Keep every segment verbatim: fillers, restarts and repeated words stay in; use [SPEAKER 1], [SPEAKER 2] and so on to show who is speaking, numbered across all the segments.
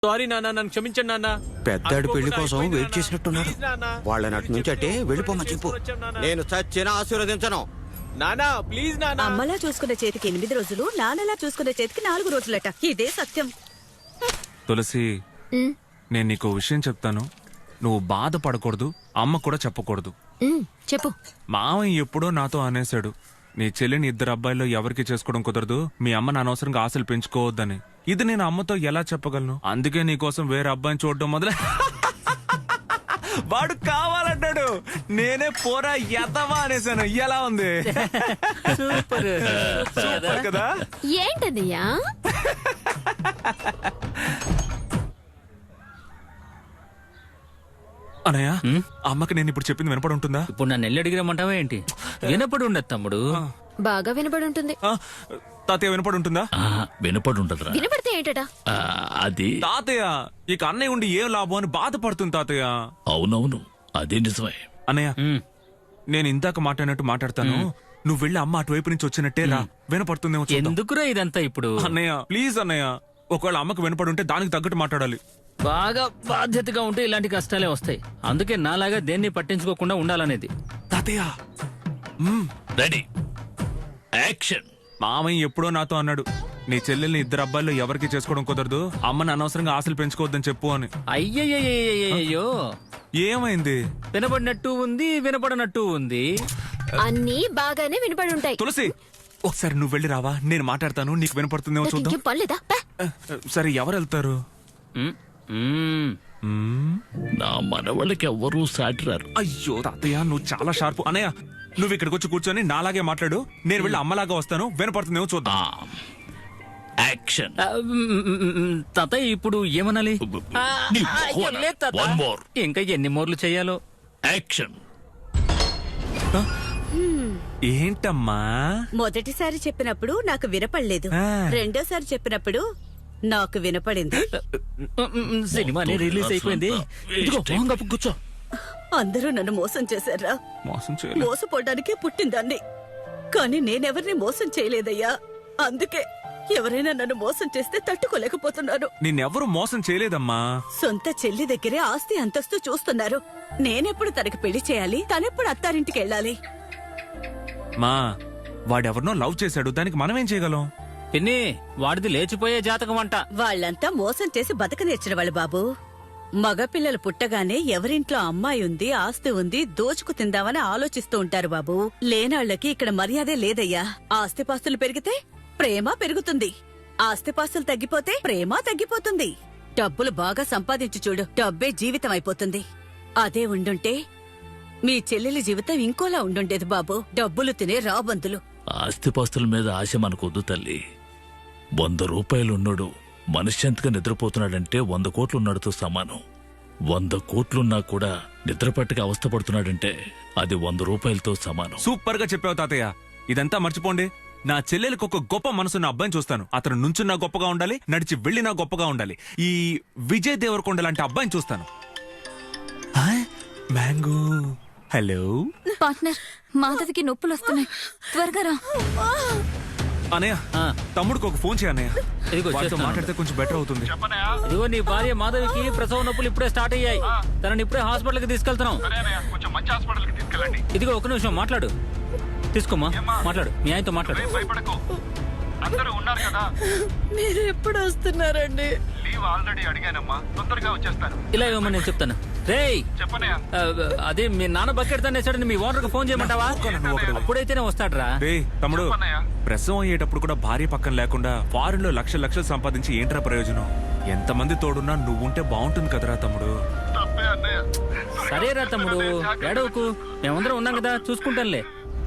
[SPEAKER 1] Sorry నాన్న, నన్ను క్షమించండి నాన్న.
[SPEAKER 2] పెద్దాడి పెళ్లి కోసం వెయిట్ చేసినట్టున్నాడు. వాళ్ళని అటు నుంచి అంటే వెళ్ళిపోమని చెప్పు. నేను చచ్చినా ఆశీర్వదించను.
[SPEAKER 1] నానా ప్లీజ్ నానా.
[SPEAKER 3] అమ్మలా చూసుకునే చేతికి ఎనిమిది రోజులు, నాన్నలా చూసుకునే చేతికి నాలుగు రోజులట. ఇదే సత్యం.
[SPEAKER 4] తులసి, నేను నీకు విషయం చెప్తాను. నువ్వు బాధపడకూడదు, అమ్మ కూడా చెప్పకూడదు.
[SPEAKER 5] చెప్పు.
[SPEAKER 4] మావయ్య ఎప్పుడో నాతో అనేశాడు, నీ చెల్లిని ఇద్దరు అబ్బాయిల్లో ఎవరికి చేసుకోవడం కుదరదు, మీ అమ్మని అనవసరంగా ఆశలు పెంచుకోవద్దని. ఇది నేను అమ్మతో ఎలా చెప్పగలను? అందుకే నీకోసం వేరే అబ్బాయిని చూడడం మొదలే. వాడు కావాలంటాడు, నేనే పోరా ఎదవా అనేసాను. ఎలా ఉంది?
[SPEAKER 1] సూపర్
[SPEAKER 4] సూపర్ కదా?
[SPEAKER 5] ఏంటదయ్యా?
[SPEAKER 4] అనయ్య, అమ్మకి నేను ఇప్పుడు చెప్పింది వినపడి ఉంటుందా?
[SPEAKER 6] ఇప్పుడు నన్ను ఎల్లు అడిగిరమ్మంటావా ఏంటి? వినపడి ఉండదు తమ్ముడు.
[SPEAKER 5] బాగా వినపడి ఉంటుంది.
[SPEAKER 4] తాతయ్య వినపడి ఉంటుందా?
[SPEAKER 6] వినపడి ఉంటదిరా.
[SPEAKER 5] వినపడితే ఏంటట?
[SPEAKER 6] అది
[SPEAKER 4] తాతయ్య, ఇక అన్నయ్య ఉండి ఏం లాభం అని బాధపడుతుంది తాతయ్య.
[SPEAKER 6] అవునవును, అదే నిజమే.
[SPEAKER 4] అన్నయ్య, నేను ఇందాక మాట్లాడినట్టు మాట్లాడతాను. నువ్వు వెళ్ళి అమ్మ అటువైపు నుంచి వచ్చినట్టే రా, వినపడుతుందేమో చూద్దాం.
[SPEAKER 6] ఎందుకురా ఇదంతా ఇప్పుడు?
[SPEAKER 4] అన్నయ్య ప్లీజ్ అన్నయ్య, ఒకవేళ అమ్మకు వినపడి ఉంటే దానికి తగ్గట్టు మాట్లాడాలి.
[SPEAKER 6] బాగా బాధ్యతగా ఉంటే ఇలాంటి కష్టాలే వస్తాయి. అందుకే నాలాగా దేన్ని పట్టించుకోకుండా ఉండాలనేది.
[SPEAKER 4] తాతయ్య
[SPEAKER 6] రెడీ, యాక్షన్.
[SPEAKER 4] మామయ్య ఎప్పుడో నాతో అన్నాడు, నీ చెల్లెల్ని ఇద్దరు అబ్బాయిల్లో ఎవరికి చేసుకోవడం కుదరదు, అమ్మని అనవసరంగా ఆశలు పెంచుకోవద్దని చెప్పు అని.
[SPEAKER 6] అయ్యయ్యో,
[SPEAKER 4] ఏమైంది?
[SPEAKER 6] వినపడినట్టు ఉంది, వినపడనట్టు ఉంది.
[SPEAKER 5] అన్నీ బాగానే వినపడి ఉంటాయి.
[SPEAKER 4] తులసి, ఒకసారి నువ్వు వెళ్ళి రావా, నేను మాట్లాడతాను, నీకు వినపడుతుందేమో చూద్దాం.
[SPEAKER 5] ఇంకేం పర్లేదా?
[SPEAKER 4] సరే, ఎవరు వెళ్తారు?
[SPEAKER 6] నా మనవాళ్ళకి ఎవ్వరూ సాటిరారు.
[SPEAKER 4] అయ్యో తాతయ్య, నువ్వు చాలా షార్ప్. అన్నయ్య, నువ్వు ఇక్కడికి వచ్చి కూర్చొని నాలాగే మాట్లాడు, నేను వెళ్ళి అమ్మలాగా వస్తాను, వినపడుతుందేమో చూద్దాం.
[SPEAKER 6] యాక్షన్. తాతయ్య ఇప్పుడు ఏమనాలి? ఇంకా ఎన్ని మోర్లు చెయ్యాలో? యాక్షన్.
[SPEAKER 4] ఏంటమ్మా?
[SPEAKER 3] మొదటిసారి చెప్పినప్పుడు నాకు వినపడలేదు, రెండోసారి చెప్పినప్పుడు నాకు వినపడింది.
[SPEAKER 6] సినిమానే రిలీజ్ అయిపోయింది. కూర్చో.
[SPEAKER 3] అందరూ నన్ను మోసం చేశారా?
[SPEAKER 4] మోసం చేయలేదు.
[SPEAKER 3] మోసపోవడానికే పుట్టిందాన్ని, కానీ నేనెవరిని మోసం చేయలేదయ్యా. అందుకే ఎవరైనా నన్ను మోసం చేస్తే తట్టుకోలేకపోతున్నాను.
[SPEAKER 4] నిన్నెవరూ మోసం చేయలేదమ్మా.
[SPEAKER 3] సొంత చెల్లి దగ్గరే ఆస్తి అంతస్తు చూస్తున్నారు. నేనెప్పుడు తనకి పెళ్లి చేయాలి, తనెప్పుడు అత్తారింటికి వెళ్ళాలి?
[SPEAKER 4] మా వాడెవరినో లవ్ చేశాడు, దానికి మనమేం చేయగలం?
[SPEAKER 6] పిన్ని, వాడిది లేచిపోయే జాతకం అంట.
[SPEAKER 3] వాళ్ళంతా మోసం చేసి బతక నేర్చిన వాళ్ళు బాబు. మగపిల్లలు పుట్టగానే ఎవరింట్లో అమ్మాయి ఉంది, ఆస్తి ఉంది, దోచుకు తిందామని ఆలోచిస్తూ ఉంటారు బాబు. లేనాళ్లకి ఇక్కడ మర్యాదే లేదయ్యా. ఆస్తిపాస్తులు పెరిగితే ప్రేమ పెరుగుతుంది, ఆస్తిపాస్తులు తగ్గిపోతే ప్రేమ తగ్గిపోతుంది. డబ్బులు బాగా సంపాదించు చూడు, డబ్బే జీవితం అయిపోతుంది. అదే ఉండుంటే మీ చెల్లెలి జీవితం ఇంకోలా ఉండుండేది బాబు. డబ్బులు తినే రాబందులు.
[SPEAKER 6] ఆస్తిపాస్తుల మీద ఆశ మనకొద్దు తల్లి. వంద రూపాయలున్నాడు మనశ్శాంతిగా నిద్రపోతున్నాడంటే వంద కోట్లున్నాడుతో సమానం. వంద కోట్లున్నా కూడా నిద్రపట్టక అవస్థపడుతున్నాడంటే అది వంద రూపాయలతో సమానం.
[SPEAKER 4] సూపర్ గా చెప్పావు తాతయ్య. ఇదంతా మర్చిపోండి. నా చెల్లెలకు ఒక గొప్ప మనసున్న అబ్బాయిని చూస్తాను. అతను నుంచున్నా గొప్పగా ఉండాలి, నడిచి వెళ్ళినా గొప్పగా ఉండాలి. ఈ విజయ్ దేవరకొండ లాంటి అబ్బాయిని చూస్తాను. మ్యాంగో, హలో
[SPEAKER 5] పార్ట్నర్, మాధవికి నొప్పులు వస్తున్నాయి, త్వరగా రా.
[SPEAKER 4] అనయ్య, తమ్ముడికి ఒక ఫోన్ చేయన్నయ్య.
[SPEAKER 6] ఇదిగో చేస్తున్నాను.
[SPEAKER 4] మాట్లాడితే కొంచెం బెటర్ అవుతుంది.
[SPEAKER 6] ఇదిగో నీ భార్య మాధవికి ప్రసవ నొప్పులు ఇప్పుడే స్టార్ట్ అయ్యాయి. తనని ఇప్పుడే హాస్పిటల్ కి తీసుకెళ్తున్నాం. ఇదిగో ఒక నిమిషం మాట్లాడు. తీసుకోమ్మా, మాట్లాడు. మీ ఆయనతో మాట్లాడు.
[SPEAKER 7] అందరూ ఉన్నారు కదా.
[SPEAKER 3] మీరు ఎప్పుడు వస్తున్నారండి?
[SPEAKER 7] లీవ్ ఆల్రెడీ అడిగానమ్మా, తొందరగా వచ్చేస్తాను.
[SPEAKER 6] ఇలా ఇవ్వమని నేను చెప్తాను. రేయ్,
[SPEAKER 7] చెప్పనయ్యా.
[SPEAKER 6] అదే మీ నాన్న బకెట్ తనేసాడని మీ ఓనర్ కి ఫోన్ చేయమంటావా? అప్పుడైతేనే వస్తాడ్రా.
[SPEAKER 4] రే తమ్ముడు, ప్రసవం అయ్యేటప్పుడు కూడా భార్య పక్కన లేకుండా ఫారెన్ లో లక్షలు లక్షలు సంపాదించి ఏంట్రా ప్రయోజనం? ఎంతమంది తోడున్నా నువ్వుంటే బాగుంటుంది కదరా తమ్ముడు.
[SPEAKER 7] తప్పే అన్నయ్య.
[SPEAKER 6] సరేరా తమ్ముడు, ఏడవకు, మేమందరం ఉన్నాం కదా, చూసుకుంటానులే.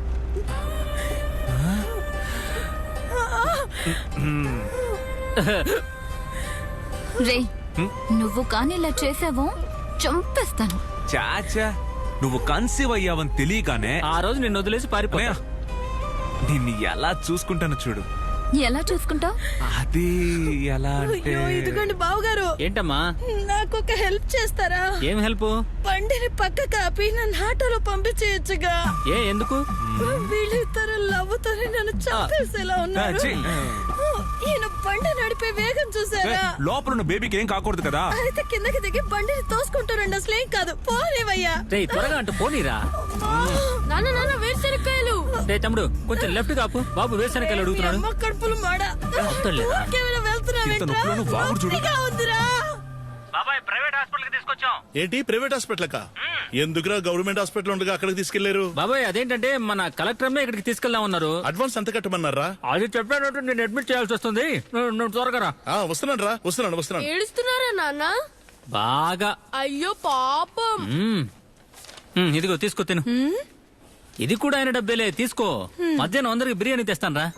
[SPEAKER 5] రే, నువ్వు కానీ ఇలా చేసావో చంపేస్తాను.
[SPEAKER 4] చాచా, నువ్వు కన్సీవ్ అయ్యావని తెలియగానే
[SPEAKER 6] ఆ రోజు నిన్ను వదిలేసి పారిపోయా.
[SPEAKER 4] నిన్ను ఎలా చూసుకుంటాను చూడు.
[SPEAKER 5] ఎలా చూసుకుంటావు?
[SPEAKER 4] అది ఎలా అంటే...
[SPEAKER 3] ఇదిగోండి బావగారు.
[SPEAKER 6] ఏంటమ్మా?
[SPEAKER 3] నాకు ఒక హెల్ప్ చేస్తారా?
[SPEAKER 6] ఏం హెల్ప్?
[SPEAKER 3] బండిని పక్క కాపి నన్ను ఆటోలో పంపించేయచ్చుగా.
[SPEAKER 6] ఏ ఎందుకు?
[SPEAKER 3] వీళ్ళిద్దరు లవ్వుతోనే నన్ను చంపేసేలా ఉన్నారు.
[SPEAKER 8] ఈయన బండి నడిపే వేగం
[SPEAKER 4] ఏ,
[SPEAKER 8] చూసారా?
[SPEAKER 4] లోపల ఉన్న బేబీకి ఏం కాకూడదు కదా.
[SPEAKER 8] అయితే కిందకి దిగి బండిని తోసుకుంటారండి. అసలేం కాదు, పోలేవయ్యా.
[SPEAKER 1] రేయ్ త్వరగా అంటూ పోనీరా.
[SPEAKER 8] నాన్న నాన్న వేరుశనక్కాయలు.
[SPEAKER 1] రే తమ్ముడు కొంచెం లెఫ్ట్ కాపు. బాబు వేరుశనకాయలు అడుగుతున్నాడు.
[SPEAKER 8] అమ్మ కడుపులు మాడ.
[SPEAKER 1] వద్దులేరా.
[SPEAKER 8] ఊరికేమైనా వెళ్తున్నావేంట్రా?
[SPEAKER 4] ఇంత నొప్పులను వాగుడు చూడు.
[SPEAKER 8] నొప్పిగా ఉందిరా.
[SPEAKER 1] బాబాయ్ ప్రైవేట్ హాస్పిటల్ కి తీసుకొచ్చాం.
[SPEAKER 9] ఏంటి ప్రైవేట్ హాస్పిటల్ కా? ఎందుకురా గవర్నమెంట్ హాస్పిటల్ ఉండగా అక్కడికి తీసుకెళ్లారు?
[SPEAKER 1] బాబాయ్ అదేంటంటే మన కలెక్టర్ ఇక్కడికి తీసుకెళ్దాం ఉన్నారు.
[SPEAKER 9] అడ్వాన్స్ ఎంత కట్టమన్నారా?
[SPEAKER 1] అది చెప్పానంటే నేను అడ్మిట్ చేయాల్సి వస్తుంది. నువ్వు- నువ్వు త్వరగా రా.
[SPEAKER 9] ఆ, వస్తున్నాను రా, వస్తున్నాను వస్తున్నాను.
[SPEAKER 8] ఏడుస్తున్నారా నాన్న?
[SPEAKER 1] బాగా.
[SPEAKER 8] అయ్యో పాపం.
[SPEAKER 1] మ్మ్. మ్మ్, ఇదిగో తీసుకో తిను. ఇది కూడా ఆయన డబ్బేలే, తీసుకో. మధ్యాహ్నం అందరికి బిర్యానీ తెస్తాను రా.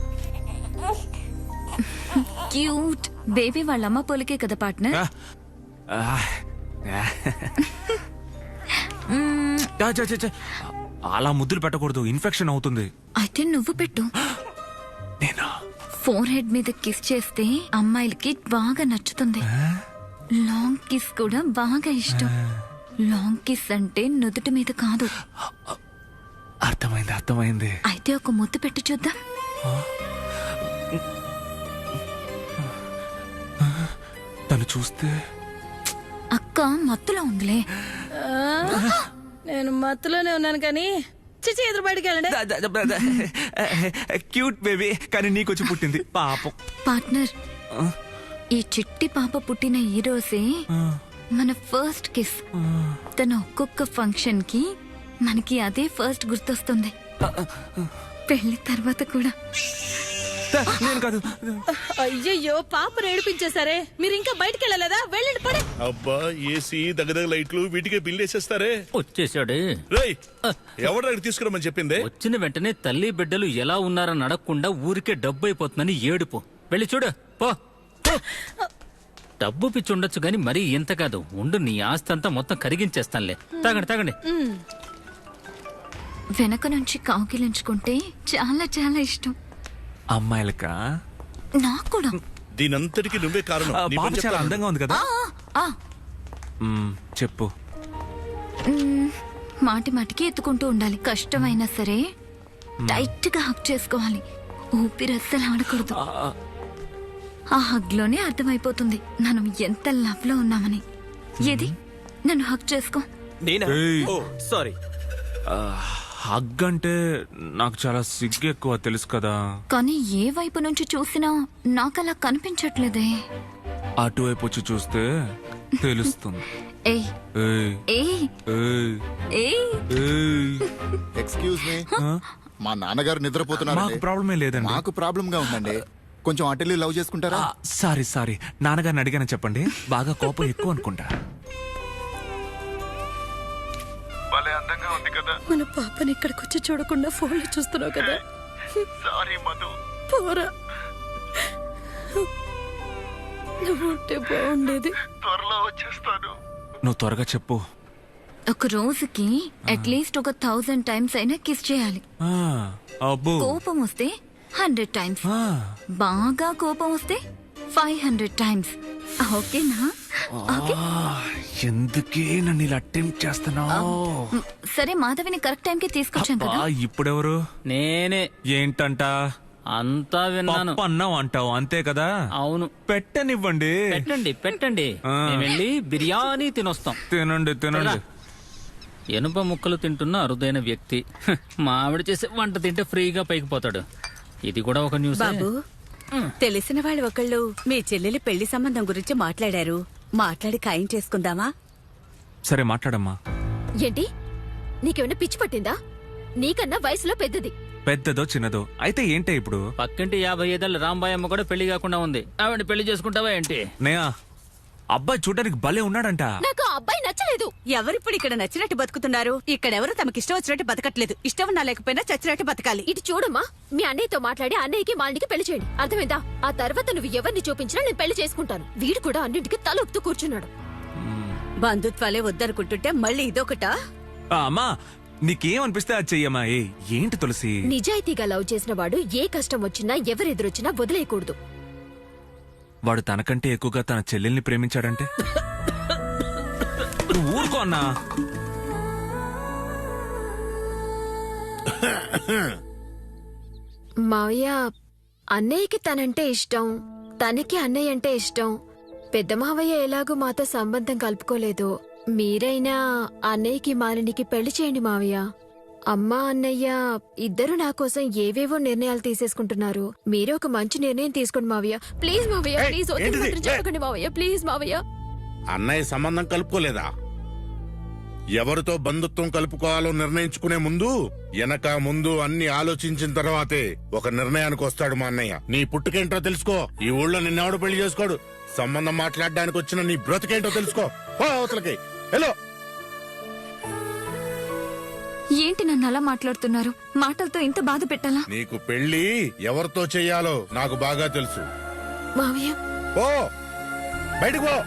[SPEAKER 5] క్యూట్ బేబీ వాళ్ళ అమ్మ పోలికే కదా పార్ట్నర్.
[SPEAKER 4] ఆ, ఆ, ఆ. చా, చా, చా, చా. అలా ముద్దులు పెట్టకూడదు, ఇన్ఫెక్షన్ అవుతుంది.
[SPEAKER 5] అయితే నువ్వు పెట్టు.
[SPEAKER 4] నేనా?
[SPEAKER 5] ఫోర్ హెడ్ మీద కిస్ చేస్తే అమ్మాయిలకి బాగా నచ్చుతుంది. లాంగ్ కిస్ కూడా బాగా ఇష్టం. లాంగ్ కిస్ అంటే నుదుటి మీద కాదు.
[SPEAKER 4] అర్థమైంది అర్థమైంది.
[SPEAKER 5] అయితే ఒక ముద్దు పెట్టి చూద్దాం.
[SPEAKER 4] తను చూస్తే
[SPEAKER 5] అక్క మత్తులో ఉందిలే.
[SPEAKER 8] నేను మత్తులోనే ఉన్నాను కానీ చిచి ఎదురు బయటికి వెళ్ళండి.
[SPEAKER 4] క్యూట్ బేబీ, కానీ నీకొచ్చి పుట్టింది పాపం.
[SPEAKER 5] పార్ట్నర్, ఈ చిట్టి పాప పుట్టిన ఈ రోజే మన ఫస్ట్ కిస్. తన ఒక్కొక్క ఫంక్షన్ కి మనకి అదే ఫస్ట్ గుర్తొస్తుంది. పెళ్లి తర్వాత కూడా.
[SPEAKER 4] నేను కాదు.
[SPEAKER 8] అయ్యయ్యో పాపను ఏడిపించేశారే. మీరు ఇంకా బయటికి వెళ్ళలేదా? వెళ్ళండి పడే.
[SPEAKER 9] అబ్బా, ఏసీ దగ్గర లైట్లు వీటికే బిల్ వేసేస్తారే.
[SPEAKER 1] వచ్చేసాడే.
[SPEAKER 9] రేయ్, ఎవరు అక్కడ తీసుకురమ్మని చెప్పిందే?
[SPEAKER 1] వచ్చిన వెంటనే తల్లి బిడ్డలు ఎలా ఉన్నారని అడగకుండా ఊరికే డబ్బు అయిపోతుందని ఏడుపు. వెళ్ళి చూడు పో. పో. డబ్బు పిచ్చి ఉండొచ్చు గాని మరీ ఇంత కాదు. ఉండు, నీ ఆస్తి అంతా మొత్తం కరిగించేస్తానులే. తాగండి తాగండి.
[SPEAKER 5] వెనక నుంచి కాకిలించుకుంటే చాలా చాలా ఇష్టం.
[SPEAKER 4] అమ్మాయిలకా?
[SPEAKER 5] నాకు కూడా.
[SPEAKER 9] దీనంతటికి నువ్వే కారణం. నీ
[SPEAKER 4] పాప
[SPEAKER 9] పని
[SPEAKER 4] చాలా
[SPEAKER 9] చెప్తాను.
[SPEAKER 4] అందంగా ఉంది కదా.
[SPEAKER 5] ఆ,
[SPEAKER 4] మ్మ్, చెప్పు.
[SPEAKER 5] మ్, మాటి మాటికి ఎత్తుకుంటూ ఉండాలి. కష్టమైనా సరే టైట్ గా హక్ చేసుకోవాలి. ఊపిరి అస్సలు ఆడకూడదు. ఆ హగ్ లోనే అర్థమైపోతుంది మనం ఎంత లవ్ లో ఉన్నామని. ఏది నన్ను హక్ చేసుకో.
[SPEAKER 1] నేనా?
[SPEAKER 4] ఏయ్.
[SPEAKER 1] ఓ సారీ.
[SPEAKER 4] హగ్ అంటే నాకు చాలా సిగ్గు ఎక్కువ, తెలుసు కదా.
[SPEAKER 5] కానీ ఏ వైపు నుంచి చూసినా నాకలా కనిపించట్లేదే.
[SPEAKER 4] అటువైపు వచ్చి చూస్తే తెలుస్తుంది.
[SPEAKER 5] ఏయ్
[SPEAKER 4] ఏయ్,
[SPEAKER 5] ఏయ్
[SPEAKER 4] ఏయ్,
[SPEAKER 5] ఏయ్
[SPEAKER 4] ఏయ్.
[SPEAKER 10] ఎక్స్క్యూజ్ మీ,
[SPEAKER 4] ఆ?
[SPEAKER 10] మా నాన్నగారు నిద్రపోతున్నారు.
[SPEAKER 4] మాకు ప్రాబ్లమే లేదండి.
[SPEAKER 10] మాకు ప్రాబ్లం గా ఉందండి. కొంచెం అటెల్లి లవ్ చేసుకుంటారా?
[SPEAKER 4] ఆ, సారీ సారీ, నాన్నగారిని అడిగాను చెప్పండి. బాగా కోపం ఎక్కువ అనుకుంటా.
[SPEAKER 7] భలే అందంగా ఉంది కదా.
[SPEAKER 8] మన పాపని ఇక్కడికి వచ్చి చూడకుండా ఫోన్ లో చూస్తున్నావు కదా.
[SPEAKER 7] సారీ మధు.
[SPEAKER 8] పోరా, నువ్వు ఉంటే బాగుండేది.
[SPEAKER 7] త్వరలో వచ్చేస్తాను.
[SPEAKER 4] నువ్వు త్వరగా చెప్పు.
[SPEAKER 5] ఒక రోజుకి అట్లీస్ట్ ఒక థౌజండ్ టైమ్స్ అయినా కిస్ చేయాలి.
[SPEAKER 4] ఆ, అబ్బో.
[SPEAKER 5] కోపం వస్తే హండ్రెడ్ టైమ్స్.
[SPEAKER 4] ఆ,
[SPEAKER 5] బాగా కోపం వస్తే ఫైవ్ హండ్రెడ్ టైమ్స్. ఓకేనా? ఓకే.
[SPEAKER 4] ఆ, ఎందుకే నన్ను ఇలా అటెంప్ట్ చేస్తున్నావు?
[SPEAKER 5] మ్, సరే మాధవిని కరెక్ట్ టైంకి తీసుకొచ్చాం కదా.
[SPEAKER 4] ఇప్పుడెవరు?
[SPEAKER 1] నేనే.
[SPEAKER 4] ఏంటంట?
[SPEAKER 1] అంతా విన్నాను.
[SPEAKER 4] పప్పు అన్నం అంటావు అంతే కదా.
[SPEAKER 1] అవును.
[SPEAKER 4] పెట్టనివ్వండి.
[SPEAKER 1] పెట్టండి పెట్టండి.
[SPEAKER 4] ఆ.
[SPEAKER 1] మేము వెళ్ళి బిర్యానీ తినొస్తాం.
[SPEAKER 4] తినండి తినండి.
[SPEAKER 1] ఎనుప ముక్కలు తింటున్న అరుదైన వ్యక్తి. హ్, మా ఆవిడ చేసే వంట తింటే ఫ్రీగా పైకి పోతాడు. ఇది కూడా ఒక న్యూస్.
[SPEAKER 3] బాబు, తెలిసిన వాళ్ళు ఒకళ్ళు మీ చెల్లెలి పెళ్లి సంబంధం గురించి మాట్లాడారు. మాట్లాడి ఖాయం చేసుకుందామా?
[SPEAKER 4] సరే మాట్లాడమ్మా.
[SPEAKER 8] ఏంటి, నీకేమైనా పిచ్చి పట్టిందా? నీకన్నా వయసులో పెద్దది.
[SPEAKER 4] పెద్దదో చిన్నదో అయితే ఏంటే ఇప్పుడు?
[SPEAKER 1] పక్కింటి యాభై ఐదేళ్ళ రాంబాయ్ అమ్మ కూడా పెళ్లి కాకుండా ఉంది. ఆవిడ పెళ్లి చేసుకుంటావా ఏంటి?
[SPEAKER 4] నేయా, అబ్బాయి చూడడానికి భలే ఉన్నాడంట.
[SPEAKER 8] నాకు ఆ అబ్బాయి నచ్చలేదు.
[SPEAKER 3] ఎవరిప్పుడు ఇక్కడ నచ్చినట్టు బతుకుతున్నారు? ఇక్కడెవరు తమకి ఇష్టం వచ్చినట్టు బతకట్లేదు. ఇష్టం ఉన్నా లేకపోయినా చచ్చినట్టు బతకాలి.
[SPEAKER 8] ఇటు చూడమ్మా, మీ అన్నయ్యతో మాట్లాడి అన్నయ్యకి మాలినికి పెళ్లి చేయండి. అర్థమైందా? ఆ తర్వాత నువ్వు ఎవరిని చూపించినా నేను పెళ్లి చేసుకుంటాను. వీడు కూడా అన్నింటికి తల ఊపుతూ కూర్చున్నాడు.
[SPEAKER 3] బంధుత్వాలే వద్దనుకుంటుంటే మళ్ళీ ఇదొకటా?
[SPEAKER 4] ఆ, అమ్మా నీకేమనిపిస్తే అది చెయ్యమ్మా. ఏ ఏంటి తులసి?
[SPEAKER 8] నిజాయితీగా లవ్ చేసిన వాడు ఏ కష్టం వచ్చినా ఎవరెదురొచ్చినా వదిలేయకూడదు.
[SPEAKER 4] వాడు తనకంటే ఎక్కువగా తన చెల్లెల్ని ప్రేమించాడంటే? నువ్వు ఊరుకో అన్నా.
[SPEAKER 8] మావయ్య, అన్నయ్యకి తనంటే ఇష్టం, తనకి అన్నయ్య అంటే ఇష్టం. పెద్ద మావయ్య ఎలాగో మాతో సంబంధం కలుపుకోలేదు. మీరైనా అన్నయ్యకి మాలినికి పెళ్లి చేయండి మావయ్య. అమ్మా అన్నయ్య ఇద్దరు నా కోసం ఏవేవో నిర్ణయాలు తీసేసుకుంటున్నారు. మీరే ఒక మంచి నిర్ణయం తీసుకోండి మావయ్య. ప్లీజ్ మావయ్య,
[SPEAKER 9] ఏయ్,
[SPEAKER 8] ప్లీజ్ వద్దు
[SPEAKER 9] ఏంటిది?
[SPEAKER 8] మాత్రం చెప్పకండి మావయ్య, ప్లీజ్ మావయ్య.
[SPEAKER 9] అన్నయ్య సంబంధం కలుపుకోలేదా? ఎవరితో బంధుత్వం కలుపుకోవాలో నిర్ణయించుకునే ముందు వెనక ముందు అన్ని ఆలోచించిన తర్వాతే ఒక నిర్ణయానికి వస్తాడు మా అన్నయ్య. నీ పుట్టుకేంటో తెలుసుకో. ఈ ఊళ్ళో నిన్నెవడు పెళ్లి చేసుకోడు. సంబంధం మాట్లాడడానికి వచ్చిన నీ బ్రతికేంటో తెలుసుకో. పో అవతలకి. హలో,
[SPEAKER 5] ఏంటి నన్ను అలా మాట్లాడుతున్నారు? మాటలతో ఇంత బాధ పెట్టాలా?
[SPEAKER 9] నీకు పెళ్లి ఎవరితో చెయ్యాలో నాకు బాగా తెలుసు.
[SPEAKER 8] మావయ్య
[SPEAKER 9] పో, బయటకు పో.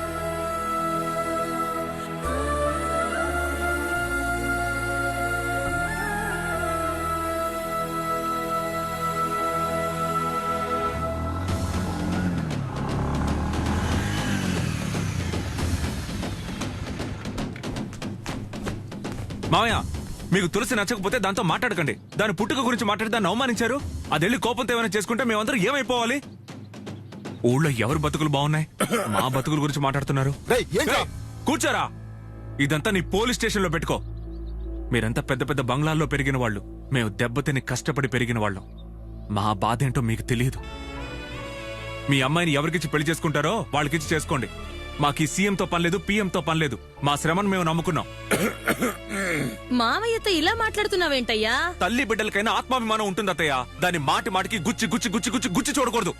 [SPEAKER 4] మావయ్య, మీకు తులసి నచ్చకపోతే దాంతో మాట్లాడకండి. దాని పుట్టుక గురించి మాట్లాడి దాన్ని అవమానించారు. అదెళ్ళి కోపంతో ఏమైనా చేసుకుంటే మేమందరం ఏమైపోవాలి? ఊళ్ళో ఎవరు బతుకులు బాగున్నాయి? మా బతుకుల గురించి మాట్లాడుతున్నారు.
[SPEAKER 10] రేయ్, ఏంట్రా?
[SPEAKER 4] ఏయ్, కూర్చోరా. ఇదంతా నీ పోలీస్ స్టేషన్ లో పెట్టుకో. మీరంతా పెద్ద పెద్ద బంగ్లాల్లో పెరిగిన వాళ్ళు. మేము దెబ్బతిని కష్టపడి పెరిగిన వాళ్ళం. మా బాధ ఏంటో మీకు తెలియదు. మీ అమ్మాయిని ఎవరికిచ్చి పెళ్లి చేసుకుంటారో వాళ్ళకిచ్చి చేసుకోండి. మాకు ఈ సీఎంతో పనిలేదు, పీఎంతో పనిలేదు. మా శ్రమను మేము నమ్ముకున్నాం.
[SPEAKER 3] మావయ్యతో ఇలా మాట్లాడుతున్నావేంటయ్యా?
[SPEAKER 4] తల్లి బిడ్డలకైనా ఆత్మాభిమానం ఉంటుంది అత్తయ్య. దాన్ని మాటి మాటికి గుచ్చి గుచ్చి గుచ్చి గుచ్చి గుచ్చి చూడకూడదు.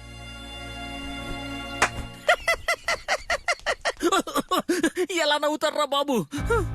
[SPEAKER 1] ఎలా నవ్వుతారా బాబు?